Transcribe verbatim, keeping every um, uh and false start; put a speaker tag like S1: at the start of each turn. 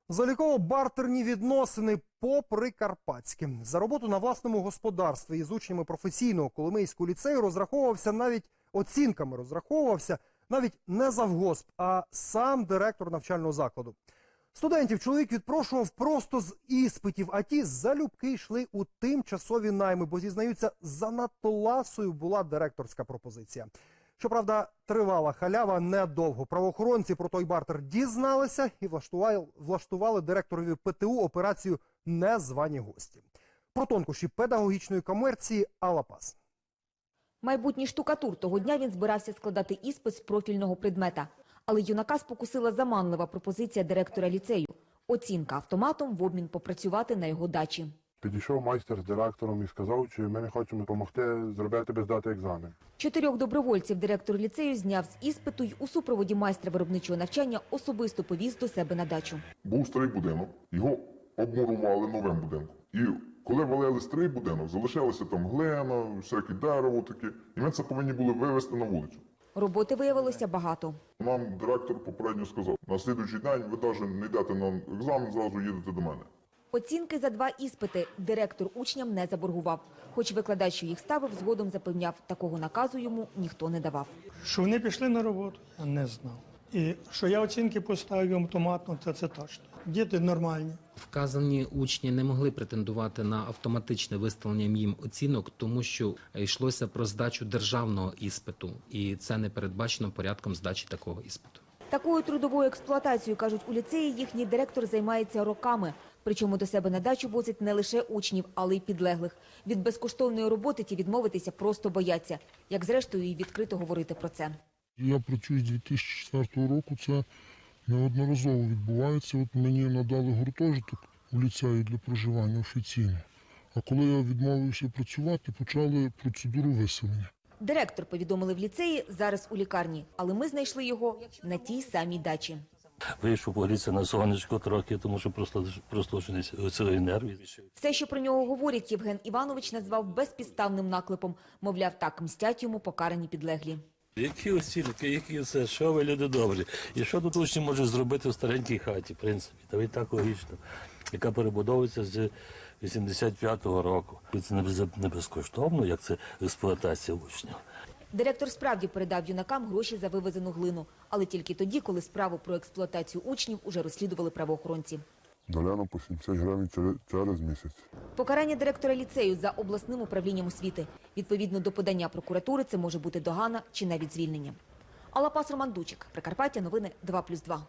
S1: Заліково-бартерні відносини по-прикарпатськи. За роботу на власному господарстві із учнями професійного Коломийського ліцею розраховувався навіть оцінками, розраховувався навіть не завгосп, а сам директор навчального закладу. Студентів чоловік відпрошував просто з іспитів, а ті залюбки йшли у тимчасові найми, бо, зізнаються, занадто ласою була директорська пропозиція. Щоправда, тривала халява недовго. Правоохоронці про той бартер дізналися і влаштували, влаштували директорові ПТУ операцію «Незвані гості». Про тонкощі педагогічної комерції Алла Пас.
S2: Майбутній штукатур. Того дня він збирався складати іспит з профільного предмета. Але юнака спокусила заманлива пропозиція директора ліцею – оцінка автоматом в обмін попрацювати на його дачі.
S3: Підійшов майстер з директором і сказав, чи ми не хочемо допомогти зробити тобі здати екзамен.
S2: Чотирьох добровольців директор ліцею зняв з іспиту й у супроводі майстра виробничого навчання особисто повіз до себе на дачу.
S4: Був старий будинок, його обмурували новим будинком. І коли валили старий будинок, залишилося там глина, всяке дерево таке, і ми це повинні були вивезти на вулицю.
S2: Роботи виявилося багато.
S4: Нам директор попередньо сказав, на слідуючий день ви навіть не йдете на екзамен, зразу їдете до мене.
S2: Оцінки за два іспити директор учням не заборгував. Хоч викладач, що їх ставив, згодом запевняв, такого наказу йому ніхто не давав.
S5: Що вони пішли на роботу, я не знав. І що я оцінки поставив автоматно, це, це точно. Діти нормальні.
S6: Вказані учні не могли претендувати на автоматичне виставлення їм оцінок, тому що йшлося про здачу державного іспиту, і це не передбачено порядком здачі такого іспиту.
S2: Такою трудовою експлуатацією, кажуть, у ліцеї їхній директор займається роками. Причому до себе на дачу возить не лише учнів, але й підлеглих. Від безкоштовної роботи ті відмовитися просто бояться. Як зрештою і відкрито говорити про це.
S7: Я працюю з дві тисячі четвертого року, це неодноразово відбувається. От мені надали гуртожиток у ліцеї для проживання офіційно. А коли я відмовився працювати, почали процедуру виселення.
S2: Директор, повідомили в ліцеї, зараз у лікарні. Але ми знайшли його на тій самій дачі.
S8: Вийшов погрітися на сонечко трохи, тому що просто прослушеність цієї нервів.
S2: Все, що про нього говорять, Євген Іванович назвав безпідставним наклепом. Мовляв, так мстять йому покарані підлеглі.
S8: Які оцінки, які це, що ви, люди добрі? І що тут учні можуть зробити в старенькій хаті, в принципі? Та й так логічно, яка перебудовується з вісімдесят п'ятого року. Це не безкоштовно, як це експлуатація учнів.
S2: Директор справді передав юнакам гроші за вивезену глину. Але тільки тоді, коли справу про експлуатацію учнів уже розслідували правоохоронці.
S4: Доляно по сімдесят гривень через місяць.
S2: Покарання директора ліцею за обласним управлінням освіти. Відповідно до подання прокуратури, це може бути догана чи навіть звільнення. Алла Пас, Роман Дучик. Прикарпаття. Новини два плюс два.